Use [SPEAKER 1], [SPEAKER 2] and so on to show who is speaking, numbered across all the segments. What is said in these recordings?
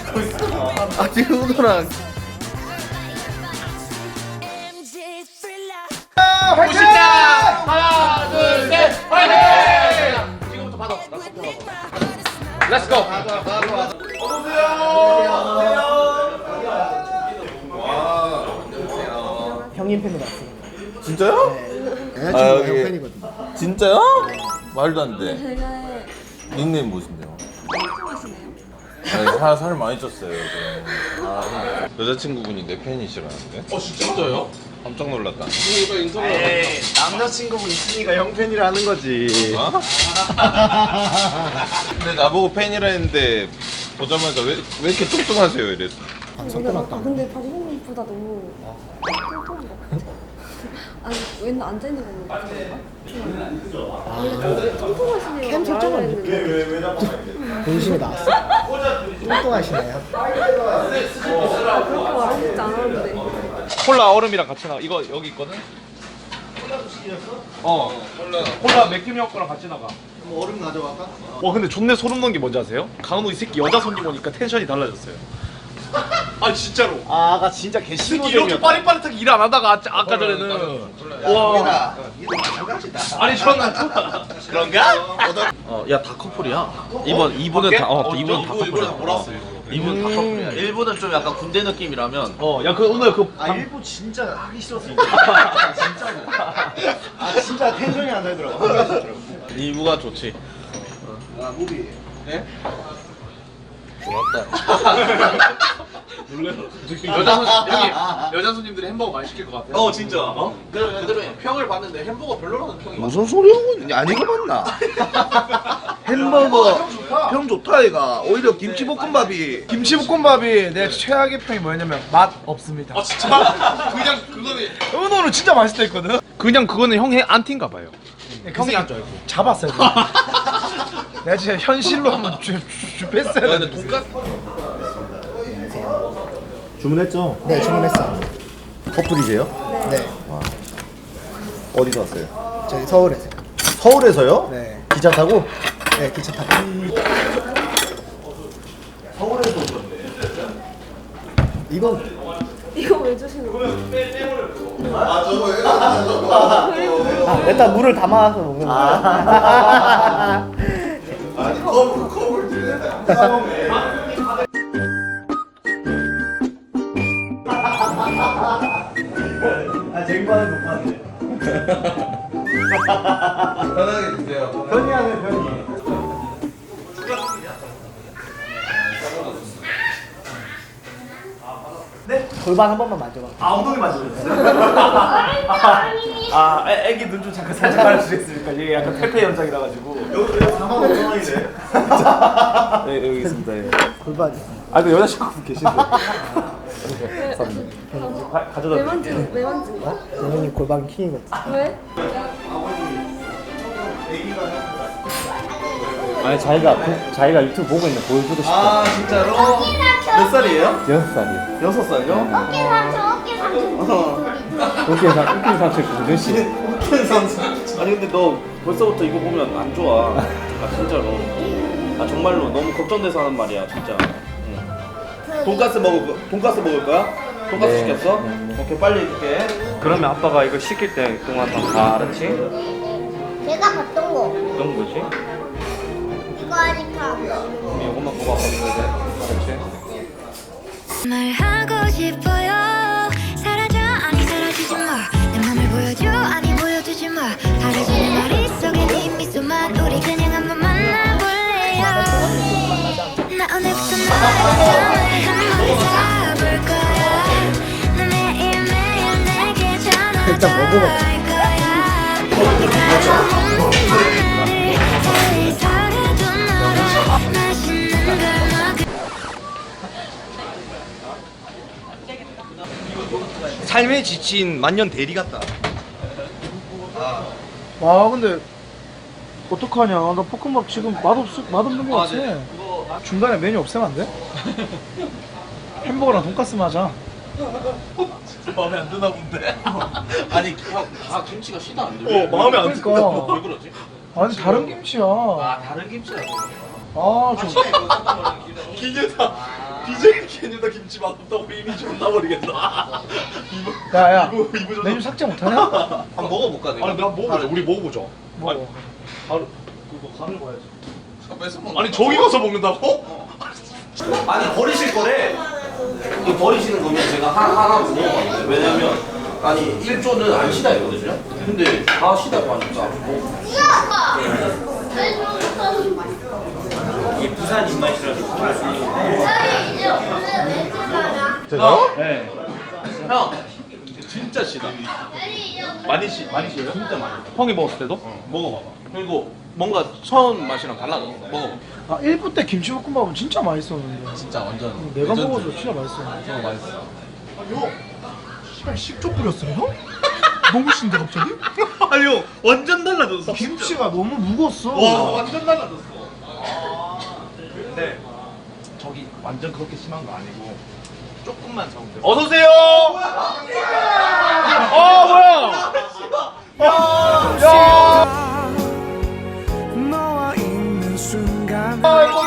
[SPEAKER 1] 아 지금 우도랑
[SPEAKER 2] 보신다. 하나, 둘, 셋, 화이팅! 지금부터 받아. 렛츠고. 어서오세요.
[SPEAKER 3] 형님 팬으로 왔습니다.
[SPEAKER 1] 진짜요?
[SPEAKER 3] 여자친구가
[SPEAKER 1] 아,
[SPEAKER 3] 형
[SPEAKER 1] 여기-
[SPEAKER 3] 팬이거든요.
[SPEAKER 1] 진짜요? 말도 안 돼.
[SPEAKER 4] 제가
[SPEAKER 1] 닉네임 뭐신데요?
[SPEAKER 4] 통통하시네요.
[SPEAKER 1] 살 많이 쪘어요 요즘. 여자친구분이 내 팬이시라는데?
[SPEAKER 2] 진짜요?
[SPEAKER 1] 깜짝 놀랐다.
[SPEAKER 5] 에이, 남자친구분 있으니까 형 팬이라는 거지.
[SPEAKER 1] 어? 근데 나보고 팬이라 했는데 보자마자 왜 이렇게 뚱뚱하세요 이랬어.
[SPEAKER 4] 근데 박용민보다 너무 통통한 것 같아요. 아니 왠 앉아 있는 거 같은가? 원래 통통하시네요.
[SPEAKER 3] 캠 설정은
[SPEAKER 4] 했는데.
[SPEAKER 3] 본심이 나왔어. 뚱뚱하시네요.
[SPEAKER 4] 그렇게 말하지 않았는데.
[SPEAKER 2] 콜라 얼음이랑 같이 나가. 이거 여기 있거든. 콜라 맥주형 거랑 같이 나가.
[SPEAKER 5] 뭐 얼음 가져갈까?
[SPEAKER 2] 근데 존내 소름 돋는 게 뭔지 아세요? 강은호 이 새끼 여자 손님 오니까 텐션이 달라졌어요. 아 진짜로.
[SPEAKER 5] 아, 아까 진짜
[SPEAKER 2] 이 새끼
[SPEAKER 5] 개신호적이었다.
[SPEAKER 2] 이렇게 빠릿빠릿하게 일 안 하다가 아까 전에는 와.
[SPEAKER 5] 이거 마찬가지다.
[SPEAKER 2] 아니 저는
[SPEAKER 5] 그런가?
[SPEAKER 6] 야 다 커플이야. 이분은
[SPEAKER 2] 밖에?
[SPEAKER 6] 다 이분은 다
[SPEAKER 2] 이분은 다
[SPEAKER 6] 커플이야.
[SPEAKER 2] 몰았어.
[SPEAKER 6] 이분은 다 커플이야. 일본은 좀 약간 군대 느낌이라면
[SPEAKER 2] 야 그 오늘 그
[SPEAKER 5] 아, 일부 진짜 하기 싫었어. 진짜로. 아, 진짜 텐션이 안 되더라고. 하기가 싫더라고.
[SPEAKER 6] 이부가 좋지.
[SPEAKER 5] 아, 무비.
[SPEAKER 2] 여자 손님들이 햄버거 많이 시킬 것 같아.
[SPEAKER 6] 진짜. 그래 평을 봤는데 햄버거 별로라는 평이 많아.
[SPEAKER 5] 무슨 소리 하고 있냐? 안 익어봤나? 햄버거 평 좋다 이가. 오히려 김치볶음밥이
[SPEAKER 7] 김치볶음밥이 내 최악의 평이 뭐였냐면 맛 없습니다.
[SPEAKER 2] 아 진짜? 그냥 그거는
[SPEAKER 7] 은호는 진짜 맛있다 했거든.
[SPEAKER 2] 그냥 그거는 형의 안티인가 봐요.
[SPEAKER 7] 형이 안 좋아했고 잡았어야 돼. 내가 진짜 현실로 한번 뺐어야
[SPEAKER 6] 근데
[SPEAKER 7] 돼.
[SPEAKER 6] 돈까스
[SPEAKER 5] 주문했죠?
[SPEAKER 3] 네, 주문했어.
[SPEAKER 5] 커플이세요?
[SPEAKER 3] 네,
[SPEAKER 5] 어디서 왔어요?
[SPEAKER 3] 저희 서울에서.
[SPEAKER 5] 서울에서요?
[SPEAKER 3] 네,
[SPEAKER 5] 기차 타고?
[SPEAKER 3] 네 기차 타고.
[SPEAKER 5] 서울에서 오셨네.
[SPEAKER 3] 이건
[SPEAKER 4] 이거 왜 주시는 거예요?
[SPEAKER 3] 일단 물을 담아서 먹는 거야.
[SPEAKER 5] 아, 쟁반을 못 봤네.
[SPEAKER 1] 편하게 드세요.
[SPEAKER 5] 편히하네, 편히.
[SPEAKER 3] 골반 한 번만 만져봐.
[SPEAKER 5] 아, 엉덩이 맞으셨어요? 애기 눈 좀 잠깐 살짝 가려주시겠습니까? 이게 약간 퇴폐 현상이라 가지고. 여기 45,000원이네. 네, 여기 있습니다. 예.
[SPEAKER 3] 골반.
[SPEAKER 5] 아, 그 여자친구분 계신데. 가져다
[SPEAKER 4] 왜 만지는 거야?
[SPEAKER 3] 영현이 골반 킹이거든.
[SPEAKER 4] 왜?
[SPEAKER 6] 아니 자기가 유튜브 보고 있는 거 보여주고 싶어.
[SPEAKER 5] 아, 진짜로? 몇 살이에요?
[SPEAKER 6] 6살이야.
[SPEAKER 5] 6살요?
[SPEAKER 6] 웃긴 삼촌 공준 씨.
[SPEAKER 5] 웃긴 선수.
[SPEAKER 6] 아니 근데 너 벌써부터 이거 보면 안 좋아. 아 진짜로. 아 정말로 너무 걱정돼서 하는 말이야 진짜.
[SPEAKER 5] 돈가스 먹을 거야? 돈가스
[SPEAKER 6] 네.
[SPEAKER 5] 시켰어? 오케이, 빨리 해줄게.
[SPEAKER 6] 그러면 아빠가 이거 시킬 때 동안 다 알았지?
[SPEAKER 8] 제가 봤던 거
[SPEAKER 6] 어떤 거지?
[SPEAKER 8] 이거 하니까
[SPEAKER 6] 이것만 보고 아빠 먹어야 돼. 알았지?
[SPEAKER 9] 말하고 싶어요. 사라져 아니 사라지지 마. 내 맘을 보여줘 아니 보여주지 마. 사라지는 머릿속에 네 미소만 우리 그냥 한번 만나볼래요. 나 오늘부터 너의 감정을 한번 잡을 거야. 너 매일매일 내게 전화
[SPEAKER 3] 일단 먹어봐.
[SPEAKER 9] 할 거야. 네가 좋은 말을 세상에도 너로 맛있는 걸 먹을
[SPEAKER 5] 삶에 지친 만년 대리 같다.
[SPEAKER 7] 와 근데 어떡하냐. 나 볶음밥 지금 맛없는 거 같아. 중간에 메뉴 없애면 안 돼? 햄버거랑 돈까스만 하자.
[SPEAKER 6] 마음에 안 드나 본데. 아니 다 김치가 시다 안 돼.
[SPEAKER 7] 마음에 안 든다.
[SPEAKER 6] 왜 그러지?
[SPEAKER 7] 아니 다른 김치야.
[SPEAKER 6] 아 다른 김치야.
[SPEAKER 7] 아 좀.
[SPEAKER 6] 기계다.
[SPEAKER 2] BJ 캐뉴다 김치 맛없다고 이미 존나 버리겠다.
[SPEAKER 7] 야야
[SPEAKER 2] 이거
[SPEAKER 7] 메뉴 삭제 못하냐?
[SPEAKER 1] 한번 먹어볼까 내가?
[SPEAKER 2] 아니 내가 먹어보자. 우리 먹어보자.
[SPEAKER 7] 먹어.
[SPEAKER 2] 아니, 바로 그거 가는 거야지.
[SPEAKER 1] 뺏어 먹는
[SPEAKER 2] 아니 저기 가서 먹는다고?
[SPEAKER 6] 아니 버리실 거래. 이거 버리시는 거면 제가 하나 먹어봤는데 왜냐면 아니 1조는 안 쉬다 했거든요. 근데 다 쉬다고 하니까 뭐
[SPEAKER 5] 이게 부산 입맛이라서
[SPEAKER 1] 제가?
[SPEAKER 2] 네. 형 진짜 시다. 많이 쉬어요? 진짜 많이. 형이 먹었을 때도? 먹어봐봐. 그리고 뭔가 처음 맛이랑 달라져. 먹어봐.
[SPEAKER 7] 아 1부 때 김치볶음밥은 진짜 맛있었는데
[SPEAKER 1] 진짜 완전
[SPEAKER 7] 내가
[SPEAKER 1] 레전드.
[SPEAKER 7] 먹어서 진짜 맛있어.
[SPEAKER 1] 맛있어.
[SPEAKER 7] 씨발 식초 뿌렸어요 형? 너무 신데 갑자기?
[SPEAKER 2] 아니 형 완전 달라졌어.
[SPEAKER 7] 김치가 너무 묵었어.
[SPEAKER 2] 와 완전 달라졌어. 근데 저기 완전 그렇게 심한 거 아니고 조금만 적으면 돼. 어서 오세요. 뭐야?
[SPEAKER 7] 너와 있는 순간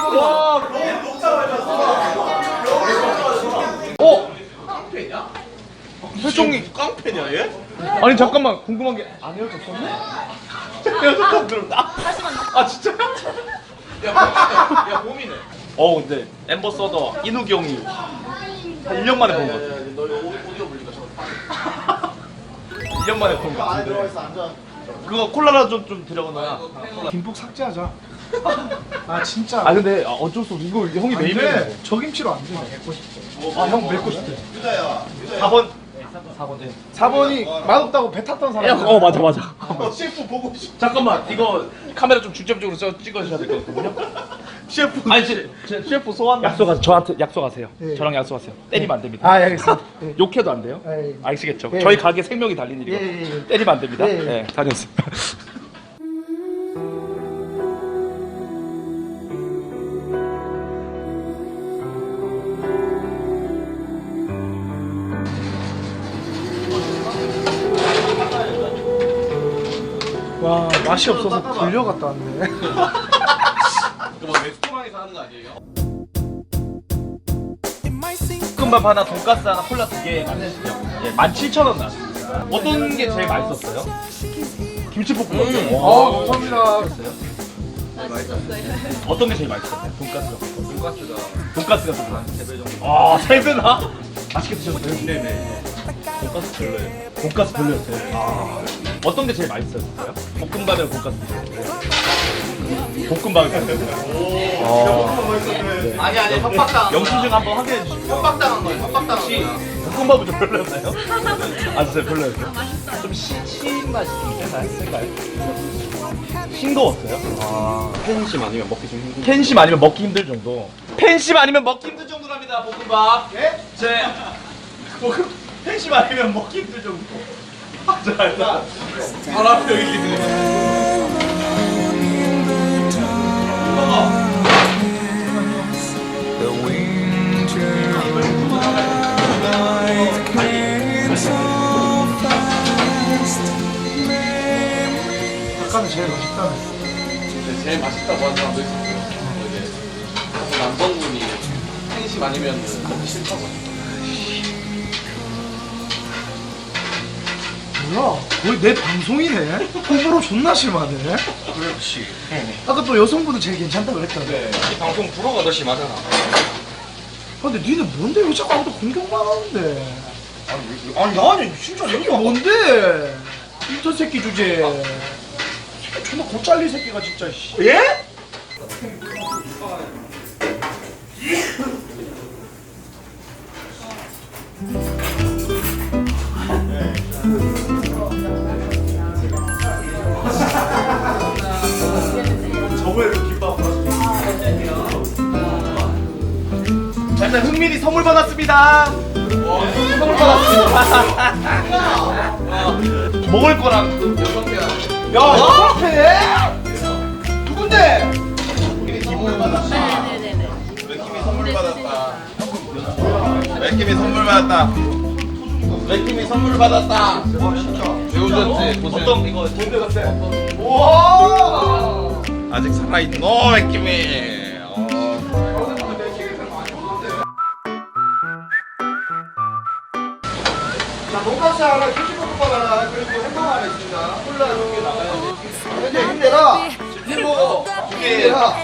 [SPEAKER 2] 깡패냐? 회종이 깡패냐 얘? 아니 잠깐만 궁금한 게 안 헤어졌었네? 헤어졌다고 들었다. 아 진짜요? 야 몸이네. 근데 엠버서더 이누기 형이 한 1년 만에 본 거 같아. 너 오디오 불리가 저 1년 만에 본 거 같은데. 그거 콜라라 좀 데려가나.
[SPEAKER 7] 김국 삭제하자. 아 진짜.
[SPEAKER 2] 아 근데 어쩔 수 없어. 이거 형이
[SPEAKER 7] 안
[SPEAKER 2] 메인이야.
[SPEAKER 7] 돼. 저 김치로 안 돼.
[SPEAKER 2] 형 맺고 싶대. 4번. 4번 네.
[SPEAKER 7] 4번이 맛없다고 배 탔던 사람.
[SPEAKER 2] 맞아. 셰프 보고 싶. 잠깐만 이거 카메라 좀 중점적으로 찍어주셔야 될 것 같거든요. 셰프. 아니 셰프 소환. 저한테 약속하세요.
[SPEAKER 7] 예.
[SPEAKER 2] 저랑 약속하세요. 때리면 안 됩니다.
[SPEAKER 7] 아 알겠습니다. 예.
[SPEAKER 2] 욕해도 안 돼요.
[SPEAKER 7] 예.
[SPEAKER 2] 아시겠죠?
[SPEAKER 7] 예.
[SPEAKER 2] 저희 가게 생명이 달린 일이고
[SPEAKER 7] 예.
[SPEAKER 2] 때리면 안 됩니다.
[SPEAKER 7] 예.
[SPEAKER 2] 네, 다녔습니다.
[SPEAKER 7] 와 맛이 없어서 불려갔다 왔네.
[SPEAKER 2] 그거 레스토랑에서 하는 거 아니에요? 볶음밥 하나, 돈가스 하나, 콜라 2개 맞으시죠? 예, 17,000원 나왔습니다. 어떤 게 제일 맛있었어요? 김치볶음밥.
[SPEAKER 7] 감사합니다.
[SPEAKER 2] 어떤 게 제일 맛있었어요? 돈가스가 좀 많이 3배 정도. 3배나? 맛있게 드셨어요? 네네. 돈가스 별로예요. 돈가스 별로였어요. 어떤 게 제일 맛있었어요? 볶음밥이랑 돈가스 드셨어요? 볶음밥이 맛있었어요. 아니 협박당. 영수증 한번 확인해 주시고요. 협박당한 거예요. 협박당한 거예요. 볶음밥은 좀 별로였나요? 아 진짜 별로였어요? 좀 신 맛이 좀 센가요? 싱거웠어요?
[SPEAKER 6] 팬심 아니면 먹기 좀 힘든.
[SPEAKER 2] 팬심 아니면 먹기 힘들 정도. 팬심 아니면 먹기 힘들 정도랍니다. 볶음밥. 예? 팬심 아니면 먹기 힘들 정도. 자, 바람 여기
[SPEAKER 7] 아까는 제일 맛있다네.
[SPEAKER 1] 제일 맛있다고 하는 사람도 있었어요. 이게 남성분이 팬심 아니면 먹기 싫다고.
[SPEAKER 7] 뭐야? 거의 내 방송이네. 호불호 존나 심하네.
[SPEAKER 1] 그렇지.
[SPEAKER 7] 아까 또 여성분은 제일 괜찮다고 그랬잖아.
[SPEAKER 1] 이 방송 프로가 더 심하잖아.
[SPEAKER 7] 근데 니는 뭔데 왜 자꾸 아무도 공격만 하는데? 아니 진짜 이게 뭔데? 인턴 새끼 주제. 존나 곧 잘릴 새끼가 진짜. 예?
[SPEAKER 2] 저번에도 김밥 자, 일단 흥민이 선물 받았습니다. 선물 받았습니다. 먹을 거랑
[SPEAKER 7] 야, 야, 누군데?
[SPEAKER 1] 맥킴이 선물 받았다. 맥킴이 선물 받았다. 맥킴이 선물 받았다. 배우셨지? 고생.
[SPEAKER 2] 어떤 이거 돈대 같아.
[SPEAKER 1] 아직 살아있노 맥킴이.
[SPEAKER 7] 돈가스 하나, 치즈볶음밥 하나, 그리고 햄버거 하나 있습니다. 콜라 2개 나가요. 근데 힘내라. 치킨 먹어. 힘내라.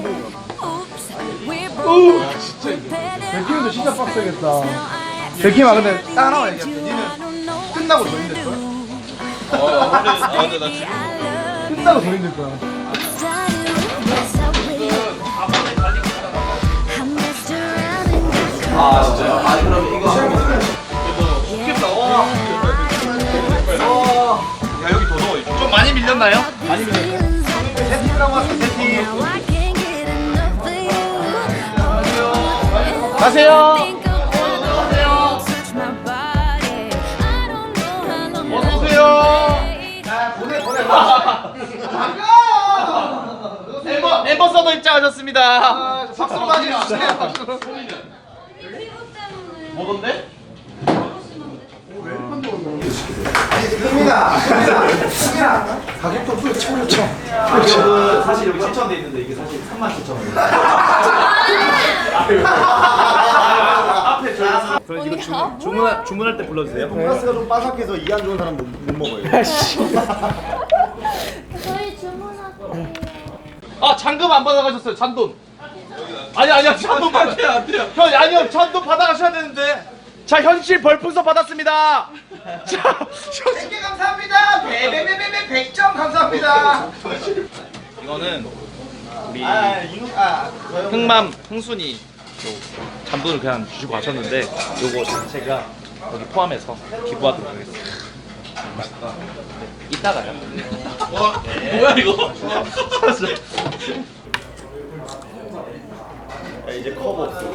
[SPEAKER 7] 백킴도 진짜 빡세겠다. 백킴아 근데 딱 하나만 얘기할게. 니는 끝나고 더 힘들걸?
[SPEAKER 1] 근데 나 지금
[SPEAKER 7] 끝나고 더 힘들 거야.
[SPEAKER 6] 아 진짜요? 아니 그럼 이거
[SPEAKER 1] 좋겠다. 야 여기 더 넣어. 좀 많이 밀렸나요?
[SPEAKER 7] 많이 밀렸어요. 세팅이라고 왔어, 세팅.
[SPEAKER 2] 가세요. 어서 오세요.
[SPEAKER 7] 보내.
[SPEAKER 2] 엠버서더 입장하셨습니다.
[SPEAKER 7] 박수 맞으시네요, 박수.
[SPEAKER 1] 뭐던데?
[SPEAKER 7] 가격도 후에 쳐버렸죠.
[SPEAKER 5] 가격은 사실 여기 7,000원 돼 있는데 이게 사실 37,000원. 앞에 저희 그럼 이거 주문할 때 불러주세요. 돈가스가 좀 바삭해서 이 안 좋은 사람 못 먹어요.
[SPEAKER 8] 저희 주문할게요.
[SPEAKER 2] 아 잔금 안 받아가셨어요. 잔돈. 아니야 잔돈 받아.
[SPEAKER 1] 안 돼요.
[SPEAKER 2] 아니요 잔돈 받아가셔야 되는데. 자 현실 벌풍선 받았습니다. 자
[SPEAKER 7] 100개 감사합니다. 베베베베베 100점 감사합니다.
[SPEAKER 2] 이거는 우리
[SPEAKER 7] 저요.
[SPEAKER 2] 흥맘 흥순이 잔돈을 그냥 주시고 가셨는데 요거 자체가 여기 포함해서 기부하도록 하겠습니다. 이따가요.
[SPEAKER 1] 뭐야 이거?
[SPEAKER 5] 이제 컵 없어.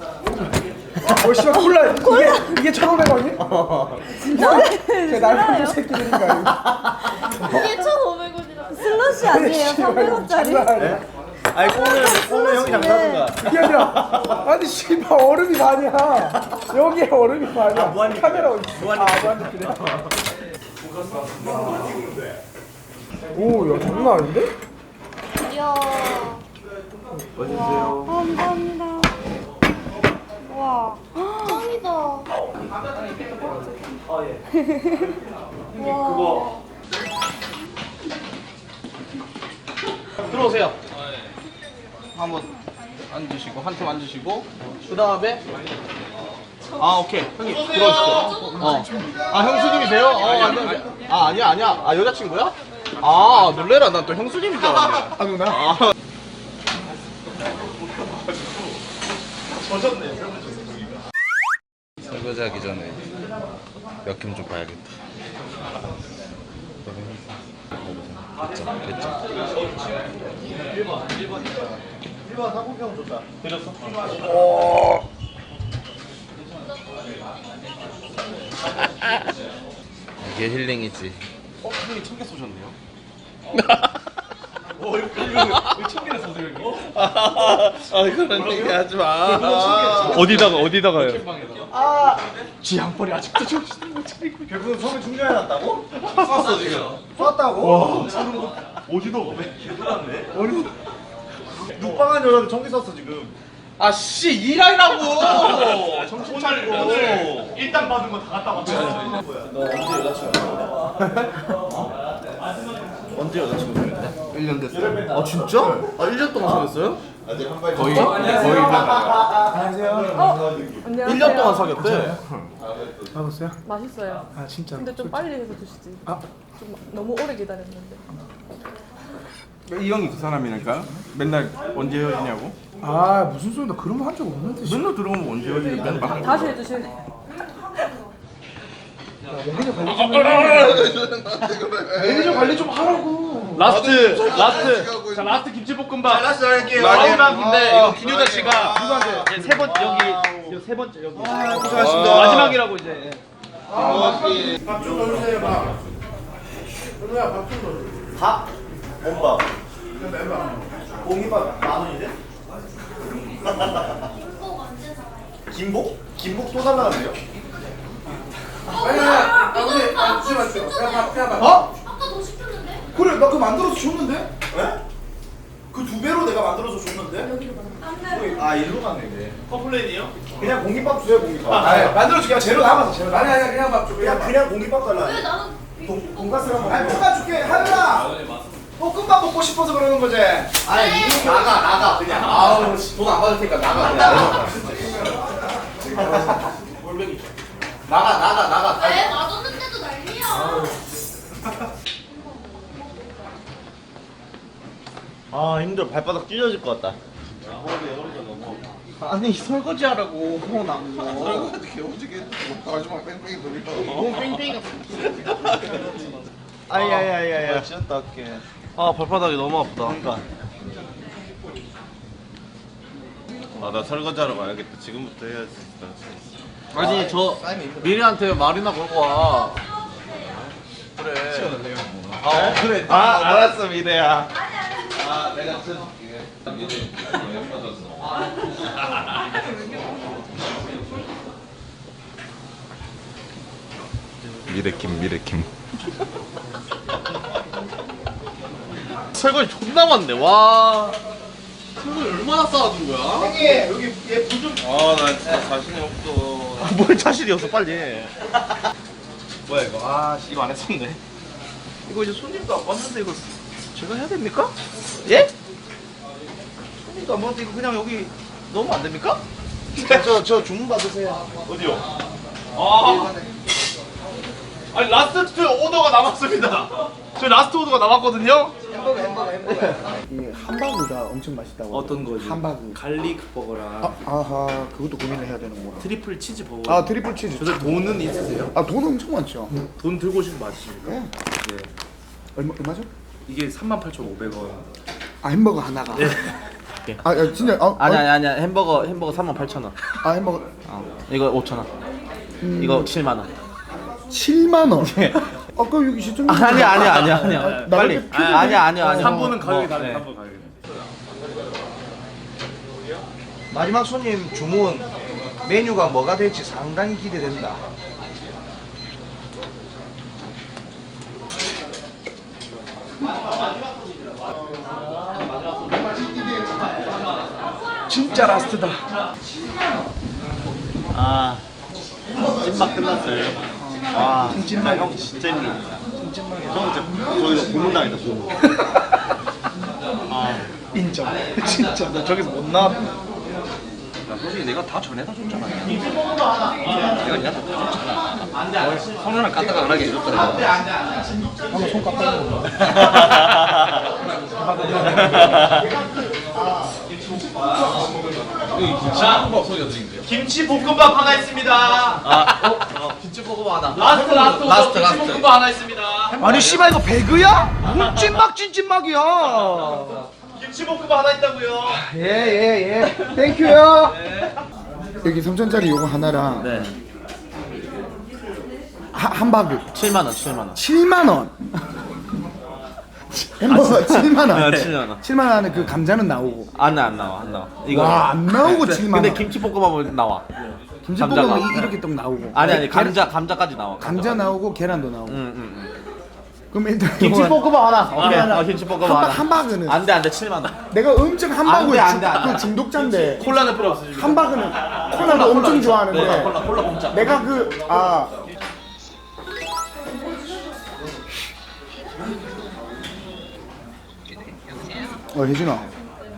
[SPEAKER 3] 씨발 콜라 이게 1,500원이?
[SPEAKER 4] 진짜?
[SPEAKER 3] 제 날카로운 새끼들인가
[SPEAKER 4] 이게 1,500원이라고. 슬러시 아니에요? 300원짜리?
[SPEAKER 5] 아니 꽁은 형이 장사하든가.
[SPEAKER 3] 이게 아니라 아니 씨발 얼음이 반이야. 여기에 얼음이 반이야.
[SPEAKER 5] 무한리필.
[SPEAKER 3] 카메라 어디 있어? 무한리필이야. 오야 장난 아닌데?
[SPEAKER 4] 이야.
[SPEAKER 5] 멋있으세요.
[SPEAKER 4] 감사합니다. 와.
[SPEAKER 8] 짱이다.
[SPEAKER 4] 와.
[SPEAKER 2] 들어오세요. 한번 앉으시고 한 팀 앉으시고 그 다음에 오케이 형님 들어오시죠. 아 형수님이세요? 안녕하세요. 아니야. 아 여자친구야? 아 놀래라. 난 또 형수님인 줄 알았네.
[SPEAKER 3] 아 누나?
[SPEAKER 1] 설거지 하기 전에 몇 캠 좀 봐야겠다. 됐죠.
[SPEAKER 5] 1번 사고평 줬다. 드렸어?
[SPEAKER 1] 이게 힐링이지.
[SPEAKER 2] 형님 청개 쏘셨네요. 청개를 쏘세요 형님.
[SPEAKER 1] 그런 얘기 하지 마.
[SPEAKER 2] 어디다가요?
[SPEAKER 3] 지 양벌이 아직도 정신을 못 차리고.
[SPEAKER 5] 결국은 처음에 충전해놨다고?
[SPEAKER 1] 쐈어 지금.
[SPEAKER 5] 쐈다고? 오지도 개돌았네. 눕방한 여자는 전기 쐈어 지금.
[SPEAKER 2] 아씨 일하라고. 정신 차리고.
[SPEAKER 5] 일단 받은 거 다 갖다 맞춰. 언제 여자친구 사귀었냐?
[SPEAKER 1] 1년 됐어. 아 진짜? 아 1년 동안 사귀었어요? 거의 1년.
[SPEAKER 3] 안녕하세요.
[SPEAKER 2] 1년 동안 사귀었대.
[SPEAKER 3] 받았어요?
[SPEAKER 4] 맛있어요.
[SPEAKER 3] 아 진짜.
[SPEAKER 4] 근데 좀 빨리 해서 드시지.
[SPEAKER 3] 아.
[SPEAKER 4] 좀 너무 오래 기다렸는데.
[SPEAKER 7] 이 형이 그 사람이니까 맨날 언제 헤어지냐고.
[SPEAKER 3] 아 무슨 소리야? 나 그런 거 한 적 없는데. 씨.
[SPEAKER 7] 맨날 들어오면 언제 헤어지냐고.
[SPEAKER 4] 다시 해주실래?
[SPEAKER 3] 매니저 관리 좀 하라고.
[SPEAKER 2] 라스트. 자 라스트 김치볶음밥.
[SPEAKER 5] 라스트 할게요.
[SPEAKER 2] 마지막인데 이거 김효자 씨가 누구한테 세 번째 여기 세 번째 여기.
[SPEAKER 7] 고생하셨습니다.
[SPEAKER 2] 마지막이라고 이제.
[SPEAKER 3] 밥좀 넣어주세요 밥. 그러면 밥좀 넣어줘.
[SPEAKER 5] 밥? 엄밥. 공깃밥 10,000원이래? 김복? 김복 또 달라는데요?
[SPEAKER 3] 아니야. 근데 잠시만요. 그냥 밥.
[SPEAKER 8] 아까 더 시켰는데?
[SPEAKER 3] 그래 나 그거 만들어서 줬는데?
[SPEAKER 5] 왜? 그 2배로 내가 만들어서 줬는데?
[SPEAKER 8] 여기로 가.
[SPEAKER 5] 아 일로 가네 이게.
[SPEAKER 2] 컴플레인이요?
[SPEAKER 5] 그냥 공깃밥 주세요 공깃밥.
[SPEAKER 7] 아 만들어줄게. 재료 남아서 재료.
[SPEAKER 3] 아니 아니 그냥 밥 줘.
[SPEAKER 5] 그냥 공깃밥 달라.
[SPEAKER 8] 왜 나는
[SPEAKER 5] 돈가스랑 먹어.
[SPEAKER 7] 아니 볶아줄게. 하늘아. 볶음밥 먹고 싶어서 그러는 거지.
[SPEAKER 5] 아니 이거 나가 그냥.
[SPEAKER 1] 아우 돈 안 받을 테니까 나가 그냥.
[SPEAKER 5] 나가.
[SPEAKER 8] 왜 놔뒀는데도 난리야.
[SPEAKER 5] 아 힘들어 발바닥 찢어질 것 같다.
[SPEAKER 2] 아니 설거지 하라고 나
[SPEAKER 5] 아야야야야. 진짜 할게.
[SPEAKER 6] 아 발바닥이 너무 아프다.
[SPEAKER 5] 그러니까.
[SPEAKER 6] 아 나 설거지하러 가야겠다. 지금부터 해야지.
[SPEAKER 1] 아니 저 미리한테 말이나 걸고 와. 그래.
[SPEAKER 6] 아 그래. 아 알았어 미래야.
[SPEAKER 1] 아 내가 쳐줄게. 미래.
[SPEAKER 6] 미래킴. 설거지 존나 많네. 와.
[SPEAKER 1] 설거지 얼마나 쌓아둔 거야?
[SPEAKER 7] 형님 여기 얘불 좀.
[SPEAKER 6] 아나 진짜 자신이 없어.
[SPEAKER 5] 뭘 자신이 없어 빨리 해.
[SPEAKER 2] 뭐야 이거? 아 씨, 이거 안 했었네. 이거 이제 손님도 안 왔는데 이거 제가 해야 됩니까? 예? 손님도 안 왔는데 이거 그냥 여기 넣으면 안 됩니까?
[SPEAKER 7] 저 주문 받으세요.
[SPEAKER 2] 어디요? 아, 아니 라스트 오더가 남았습니다. 저희 라스트 오더가 남았거든요.
[SPEAKER 3] 이 함바그가 엄청 맛있다고.
[SPEAKER 2] 어떤 거지?
[SPEAKER 3] 함바그.
[SPEAKER 2] 갈릭 버거랑
[SPEAKER 3] 아하 그것도 고민을 해야 되는구나.
[SPEAKER 2] 트리플 치즈 버거.
[SPEAKER 3] 아 트리플 치즈.
[SPEAKER 2] 저들 돈은 있으세요?
[SPEAKER 3] 아 돈 엄청 많죠.
[SPEAKER 2] 돈 들고 오시는 거 맞으십니까?
[SPEAKER 3] 네.
[SPEAKER 2] 네.
[SPEAKER 3] 얼마죠?
[SPEAKER 2] 이게 38,500원.
[SPEAKER 3] 아 햄버거 하나가.
[SPEAKER 2] 네.
[SPEAKER 3] 아 야, 진짜
[SPEAKER 1] 아니야 햄버거 38,000원.
[SPEAKER 3] 아 햄버거
[SPEAKER 1] 이거 5,000원. 이거 7만 원.
[SPEAKER 3] 7만 원. 아까 여기 시청.
[SPEAKER 1] 아니야.
[SPEAKER 3] 빨리.
[SPEAKER 1] 아니야.
[SPEAKER 2] 3분은 가격이
[SPEAKER 1] 네.
[SPEAKER 2] 다르네. 3분 가격이.
[SPEAKER 7] 마지막 손님 주문 메뉴가 뭐가 될지 상당히 기대된다. 진짜 라스트다.
[SPEAKER 5] 아 찐막 끝났어요. 와
[SPEAKER 7] 찐막.
[SPEAKER 5] 형 진짜 힘들다. 형 진짜 저기서 고문당했다 고문.
[SPEAKER 7] 인정. 진짜 나 저기서 못 나왔다.
[SPEAKER 2] 솔직히 내가 다 전에다 줬잖아. 내가 니가 다 줬잖아. 손으로 까딱 안 하게 해줬더라.
[SPEAKER 3] 한번 손 깎아요.
[SPEAKER 1] 김치볶음밥 소리 어떻게인데요?
[SPEAKER 2] 김치 볶음밥 하나 있습니다.
[SPEAKER 1] 김치볶음밥 하나.
[SPEAKER 2] 라스트 김치볶음밥 하나 있습니다.
[SPEAKER 7] 아니 씨발 이거 배그야? 뭔 찐막 찐찐막이야.
[SPEAKER 2] 김치볶음밥 하나 있다고요.
[SPEAKER 7] 예. 땡큐요.
[SPEAKER 3] 여기 3,000짜리 요거 하나랑
[SPEAKER 1] 네.
[SPEAKER 3] 함바그
[SPEAKER 1] 7만 원.
[SPEAKER 3] 7만 원. 햄버거 7만 원.
[SPEAKER 1] 네, 7만 원.
[SPEAKER 3] 7만 원 안에 그 감자는 나오고.
[SPEAKER 1] 안 나와. 이거.
[SPEAKER 3] 와 안 나오고 7만 원.
[SPEAKER 1] 근데 김치볶음밥은 나와.
[SPEAKER 3] 김치볶음은
[SPEAKER 1] 감자가.
[SPEAKER 3] 이렇게 또 나오고.
[SPEAKER 1] 아니 감자까지 나와.
[SPEAKER 3] 감자 나오고 계란도 나오고.
[SPEAKER 1] 응.
[SPEAKER 3] 그럼 일단
[SPEAKER 1] 김치볶음밥 하나. 김치볶음밥 하나.
[SPEAKER 3] 함바그는
[SPEAKER 1] 안돼 7만 원.
[SPEAKER 3] 내가 엄청 함바그에
[SPEAKER 1] 안 돼.
[SPEAKER 3] 그 중독자인데
[SPEAKER 1] 콜라는 필요 없어.
[SPEAKER 3] 함바그는 콜라도 엄청 좋아하는데
[SPEAKER 1] 콜라 공짜.
[SPEAKER 3] 내가 혜진아. 야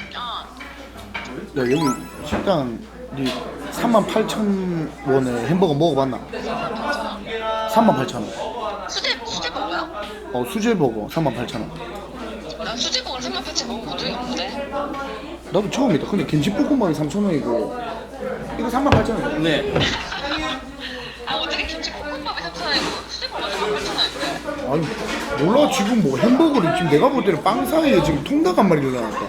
[SPEAKER 3] 여기 식당 니 38,000원에 햄버거 먹어봤나? 38,000원.
[SPEAKER 8] 수제버거야?
[SPEAKER 3] 수제버거 38,000원.
[SPEAKER 8] 난 수제버거를 3,800원 먹어본 적이 없는데.
[SPEAKER 3] 나도 처음이다. 근데 김치볶음밥이 3,000원이고 이거 38,000원.
[SPEAKER 1] 네.
[SPEAKER 8] 아 어떻게 김치볶음밥이 3,000원이고 수제버거가 3,800원인데?
[SPEAKER 3] 아니 몰라 지금 뭐 햄버거를 지금 내가 볼 때는 빵 사이에 지금 통닭 한 마리 일어났다.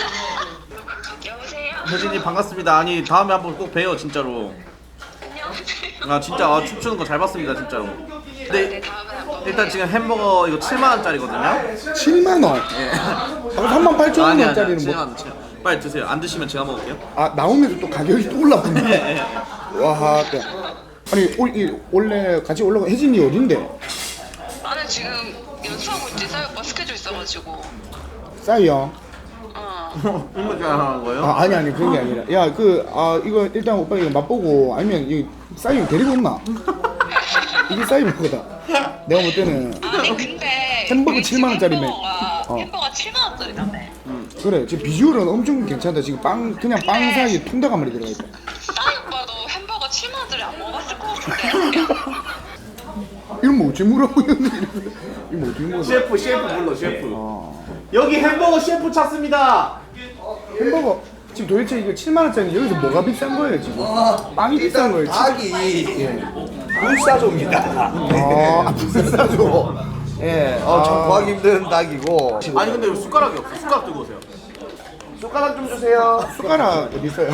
[SPEAKER 8] 여보세요?
[SPEAKER 1] 혜진이 반갑습니다. 아니 다음에 한번 꼭 봬요 진짜로.
[SPEAKER 8] 안녕하세요.
[SPEAKER 1] 아 진짜 춤추는 거 잘 봤습니다 진짜로.
[SPEAKER 8] 네
[SPEAKER 1] 근데
[SPEAKER 8] 다음에 한번.
[SPEAKER 1] 일단 지금 햄버거 이거 7만 원짜리거든요.
[SPEAKER 3] 7만 원.
[SPEAKER 1] 예.
[SPEAKER 3] 아까 38,000원짜리는 뭐?
[SPEAKER 1] 7만 원. 빨리 드세요. 안 드시면 제가 먹을게요.
[SPEAKER 3] 아 나오면서 또 가격이 또 올라붙네.
[SPEAKER 1] 예.
[SPEAKER 3] 와, 또. 아니 원래 같이 올라가 혜진이 어딘데?
[SPEAKER 8] 나는 지금 연수하고 있지. 사회 오빠 스케줄 있어가지고.
[SPEAKER 3] 싸이요.
[SPEAKER 6] 이거 잘하는 거예요?
[SPEAKER 3] 아, 아니 그런 게 아니라 야 이거 일단 오빠 이거 맛보고 아니면 이 사장님 데리고 온나? 이게 사장님 거다. 내가 볼 때는
[SPEAKER 8] 아니 근데
[SPEAKER 3] 햄버거
[SPEAKER 8] 우리
[SPEAKER 3] 7만 원짜리면.
[SPEAKER 8] 햄버거 7만 원짜리다며.
[SPEAKER 3] 그래 지금 비주얼은 엄청 괜찮다. 지금 그냥 빵 사이에 통닭 한 마리 들어가 있다.
[SPEAKER 8] 싸이 오빠도 햄버거 7만 원짜리 안 먹어봤을 것 같은데.
[SPEAKER 3] 이런 뭐 어째 물어보고 있는데 이거 뭐 어떻게 먹어?
[SPEAKER 6] 셰프 불러 셰프.
[SPEAKER 3] 아,
[SPEAKER 6] 여기 햄버거 셰프 찾습니다.
[SPEAKER 3] 햄버거 지금 도대체 이거 7만 원짜리 여기서 뭐가 비싼 거예요 지금? 빵이 비싼 거예요.
[SPEAKER 5] 닭이 불사조입니다.
[SPEAKER 3] 아 불사조.
[SPEAKER 5] 예, 참 구하기 힘든 닭이고.
[SPEAKER 6] 아니 근데 왜 숟가락이 없어? 숟가락 들고 오세요.
[SPEAKER 5] 숟가락 좀 주세요.
[SPEAKER 3] 숟가락 어디 있어요?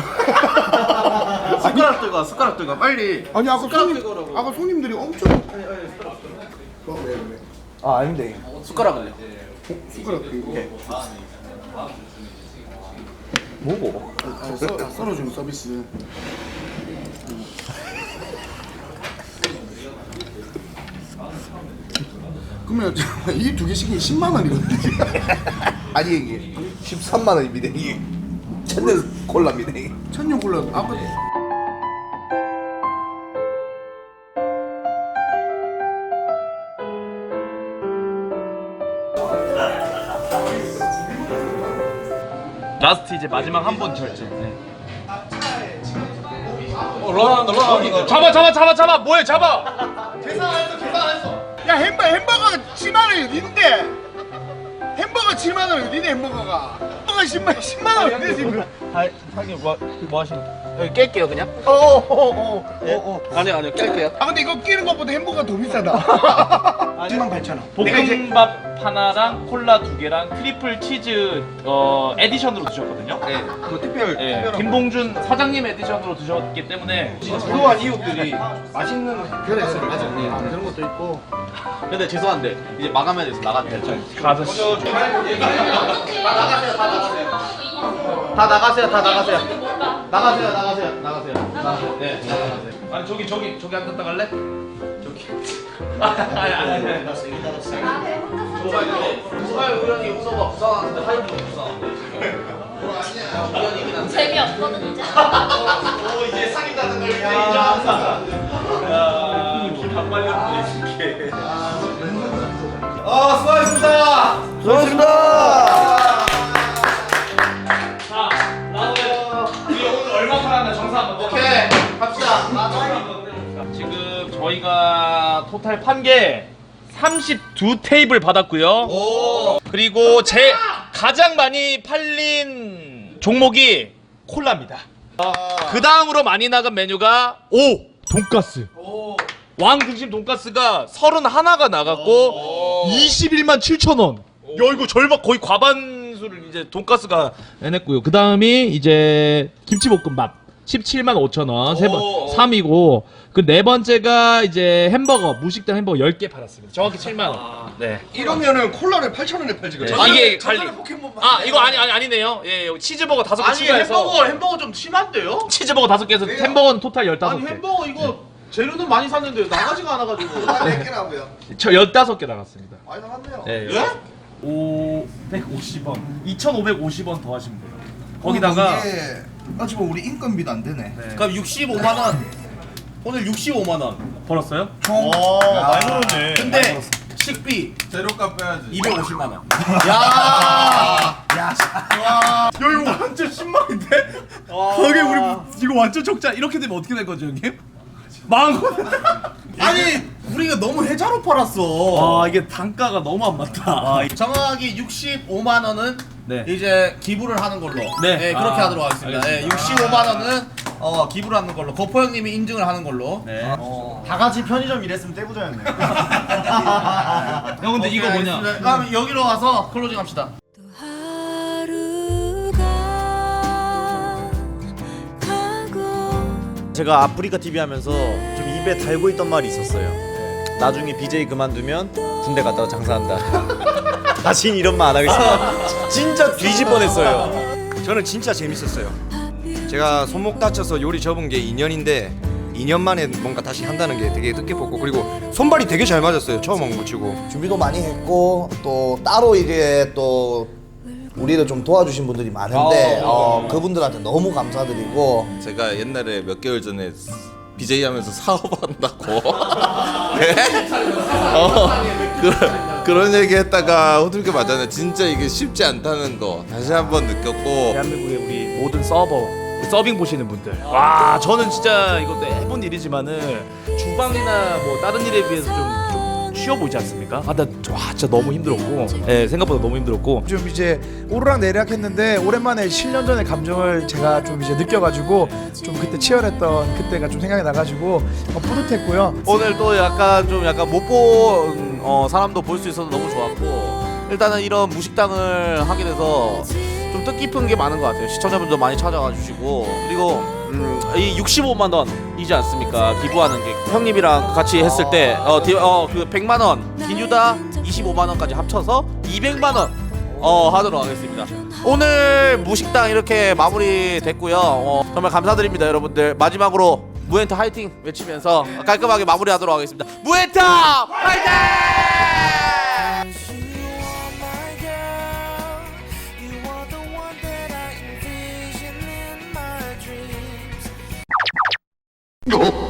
[SPEAKER 6] 숟가락 들고 와, 빨리.
[SPEAKER 3] 아니
[SPEAKER 6] 숟가락 들고 오라고.
[SPEAKER 3] 아까 손님들이 엄청
[SPEAKER 5] 아, 아닌데.
[SPEAKER 6] 숟가락을요.
[SPEAKER 3] 숟가락 들고
[SPEAKER 5] 뭐고?
[SPEAKER 3] 썰어주는 서비스. 그러면 이 두 개 시키면 10만 원이거든요.
[SPEAKER 5] 아니 이게 13만 원입니다. 이게 천년 콜라입니다. 이게.
[SPEAKER 3] 천년 콜라 아까
[SPEAKER 2] 라스트 이제 마지막 한 번 결제.
[SPEAKER 1] 런한다.
[SPEAKER 2] 잡아 뭐해 잡아.
[SPEAKER 7] 야 햄버거가 7만 원이 어딘데? 햄버거 7만 원이 어디네 햄버거가? 햄버거 10만 원 어디네 지금?
[SPEAKER 2] 하긴 뭐 하시는? 깰게요 그냥.
[SPEAKER 6] 아니요 깰게요.
[SPEAKER 7] 아 근데 이거 끼는 것보다 햄버거가 더 비싸다. 78,000원.
[SPEAKER 2] 볶음밥 하나랑 콜라 2개랑 트리플 치즈 에디션으로 드셨거든요.
[SPEAKER 6] 네. 그 특별.
[SPEAKER 2] 예, 김봉준 사장님 에디션으로 드셨기 때문에
[SPEAKER 6] 부러워한 이웃들이 맛있는
[SPEAKER 3] 그래 맞아. 그런 것도 있고.
[SPEAKER 6] 근데 죄송한데 이제 마감해야 돼서 나가야 돼요.
[SPEAKER 2] 가서
[SPEAKER 6] 다 나가세요. 네, 나가세요.
[SPEAKER 2] 아니 저기 앉았다 갈래? 저기. 아니.
[SPEAKER 6] 정말 우연히 우서가 부산하는데 하이브가 부산한데 지금.
[SPEAKER 8] 재미없거든 이제.
[SPEAKER 6] 오 이제 사귄다는 걸 이제 인정한다.
[SPEAKER 2] 반말렸네.
[SPEAKER 6] 수고하셨습니다.
[SPEAKER 5] 수고하셨습니다.
[SPEAKER 2] 자, 나오면 우리 오늘 얼마 팔았나 정사 한번.
[SPEAKER 6] 오케이 갑시다.
[SPEAKER 2] 지금 저희가 토탈 판 게 32테이블 받았고요.
[SPEAKER 6] 오.
[SPEAKER 2] 그리고 제 가장 많이 팔린 종목이 콜라입니다. 그 다음으로 많이 나간 메뉴가 돈가스. 왕 등심 돈가스가 31가 나갔고 21만 7천 원. 야 이거 절반 거의 과반수를 이제 돈가스가 해냈고요. 그 다음이 이제 김치볶음밥 17만 5천 원. 3이고 그 네 번째가 이제 햄버거 무식당 햄버거 10개 팔았습니다. 정확히 7만 원. 네.
[SPEAKER 7] 이러면은 콜라를 8,000원에 팔지 그래.
[SPEAKER 2] 이게 관리. 이거 아니네요. 예, 치즈버거 5개
[SPEAKER 6] 아니
[SPEAKER 2] 추가해서
[SPEAKER 6] 햄버거 좀 심한데요?
[SPEAKER 2] 치즈버거 5개에서 햄버거는 토탈 15개.
[SPEAKER 6] 아니 햄버거 이거 재료는 많이 샀는데 나가지가 않아가지고.
[SPEAKER 5] 4개라고요.
[SPEAKER 2] 저 15개 나갔습니다.
[SPEAKER 5] 많이 나갔네요.
[SPEAKER 2] 예.
[SPEAKER 6] 예?
[SPEAKER 2] 550원. 2,550원 더 하시면 돼요. 거기다가
[SPEAKER 5] 지금 우리 인건비도 안 되네.
[SPEAKER 6] 그럼 65만 원. 오늘 65만 원.
[SPEAKER 2] 벌었어요?
[SPEAKER 5] 총.
[SPEAKER 2] 많이 벌었네.
[SPEAKER 6] 근데 식비
[SPEAKER 1] 재료값 빼야지.
[SPEAKER 6] 250만 원.
[SPEAKER 2] 야 이거 완전 10만인데? 거기 우리 이거 완전 적자. 이렇게 되면 어떻게 될 거죠, 형님? 망한 거.
[SPEAKER 6] 아니 우리가 너무 해자로 팔았어.
[SPEAKER 2] 아 이게 단가가 너무 안 맞다.
[SPEAKER 6] 정확하게 65만 원은
[SPEAKER 2] 네.
[SPEAKER 6] 이제 기부를 하는 걸로.
[SPEAKER 2] 네.
[SPEAKER 6] 그렇게
[SPEAKER 2] 아,
[SPEAKER 6] 하도록 하겠습니다.
[SPEAKER 2] 알겠습니다.
[SPEAKER 6] 65만 원은 기부를 하는 걸로. 거포 형님이 인증을 하는 걸로.
[SPEAKER 2] 네.
[SPEAKER 5] 다 같이 편의점 일했으면 떼부자였네.
[SPEAKER 2] 형 근데 이거 뭐냐?
[SPEAKER 6] 그럼 여기로 와서 클로징 합시다.
[SPEAKER 5] 제가 아프리카 TV 하면서 좀 입에 달고 있던 말이 있었어요. 나중에 BJ 그만두면 군대 갔다가 장사한다. 다신 이런 말 안 하겠습니다. 진짜 뒤질 뻔했어요. 저는 진짜 재밌었어요. 제가 손목 다쳐서 요리 접은 게 2년인데 2년 만에 뭔가 다시 한다는 게 되게 뜻깊었고, 그리고 손발이 되게 잘 맞았어요. 처음 온 거 치고. 준비도 많이 했고 또 따로 이제 또
[SPEAKER 3] 우리를 좀 도와주신 분들이 많은데 그분들한테 너무 감사드리고
[SPEAKER 10] 제가 옛날에 몇 개월 전에 BJ 하면서 사업한다고 네? 그런 얘기 했다가 호들갑 맞았네. 진짜 이게 쉽지 않다는 거 다시 한번 느꼈고
[SPEAKER 2] 대한민국의 우리 모든 서빙 보시는 분들, 와 저는 진짜 이것도 해본 일이지만은 주방이나 뭐 다른 일에 비해서 좀 쉬워 보이지 않습니까? 와 진짜 너무 힘들었고, 생각보다 너무 힘들었고
[SPEAKER 7] 좀 이제 오르락 내리락 했는데 오랜만에 7년 전의 감정을 제가 좀 이제 느껴가지고 좀 그때 치열했던 그때가 좀 생각이 나가지고 뿌듯했고요.
[SPEAKER 6] 오늘 또 약간 못 본 사람도 볼 수 있어서 너무 좋았고, 일단은 이런 무식당을 하게 돼서 좀 뜻깊은 게 많은 것 같아요. 시청자분도 많이 찾아와 주시고, 그리고 이 65만 원이지 않습니까? 기부하는 게 형님이랑 같이 했을 때 그 100만 원, 김유다 25만 원까지 합쳐서 200만 원 하도록 하겠습니다. 오늘 무식당 이렇게 마무리 됐고요. 정말 감사드립니다, 여러분들. 마지막으로 무엔타 화이팅 외치면서 깔끔하게 마무리하도록 하겠습니다. 무엔타 화이팅!
[SPEAKER 9] Oh